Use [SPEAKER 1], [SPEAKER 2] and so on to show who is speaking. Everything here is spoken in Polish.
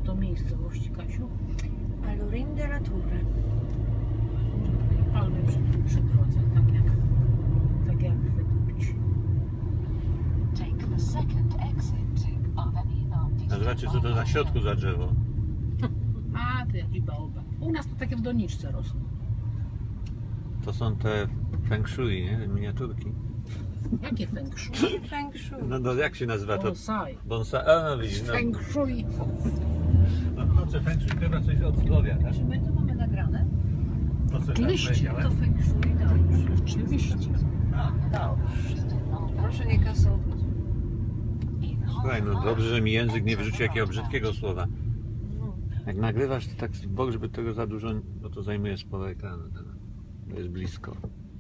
[SPEAKER 1] to miejscowość, Kasiu?
[SPEAKER 2] Alurin de la Tour.
[SPEAKER 1] Palmy przy drodze, tak jak wykupić.
[SPEAKER 3] A zobaczcie, co to na środku za drzewo.
[SPEAKER 1] A, to jakiś baobab. U nas to takie w doniczce rosną.
[SPEAKER 3] To są te feng shui, nie? Miniaturki.
[SPEAKER 1] Jakie feng shui?
[SPEAKER 2] Feng Shui.
[SPEAKER 3] No jak się nazywa to?
[SPEAKER 1] Bonsai.
[SPEAKER 3] Bonsai. A, no widzisz, no.
[SPEAKER 1] Feng shui.
[SPEAKER 3] No to feng shui chyba coś od zdrowia, tak?
[SPEAKER 2] Czy my to mamy nagrane?
[SPEAKER 3] To co
[SPEAKER 1] Oczywiście.
[SPEAKER 3] tak powiedziałem?
[SPEAKER 2] To Feng Shui, dobrze.
[SPEAKER 1] Oczywiście.
[SPEAKER 2] Proszę nie kasować.
[SPEAKER 3] Słuchaj, no dobrze, że mi język nie wyrzuci jakiego brzydkiego słowa.
[SPEAKER 2] No.
[SPEAKER 3] Jak nagrywasz, to tak w bok, żeby tego za dużo, bo to zajmuje sporo ekranu. To jest blisko.